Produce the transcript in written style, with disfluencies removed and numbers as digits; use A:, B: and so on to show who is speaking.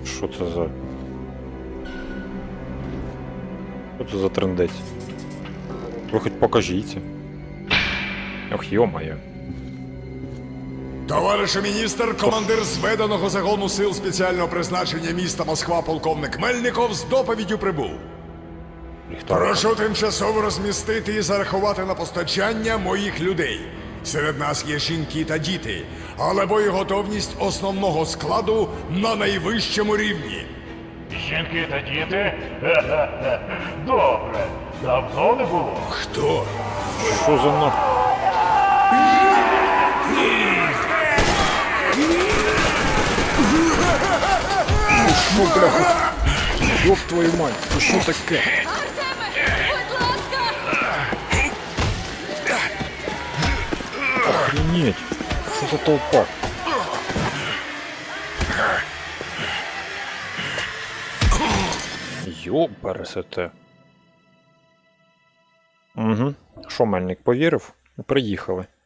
A: Що це за... Що це за трындець? Ви хоч покажіть. Ох, йо-моє.
B: Товарише міністр, командир зведеного загону сил спеціального призначення міста Москва полковник Мельников з доповіддю прибув. Прошу тимчасово розмістити і зарахувати на постачання моїх людей. Серед нас є жінки та діти, але боєготовність основного складу на найвищому рівні.
C: Жінки та діти? Ха-ха-ха. Добре. Давно не було.
B: Хто?
A: Що за на... Що, бляха? Ёб твою мать, це що таке?
D: Артеме, будь ласка!
A: Охренеть, що за толпа? Ёбарасоте. Угу. Що, Мельник повірив? Приїхали.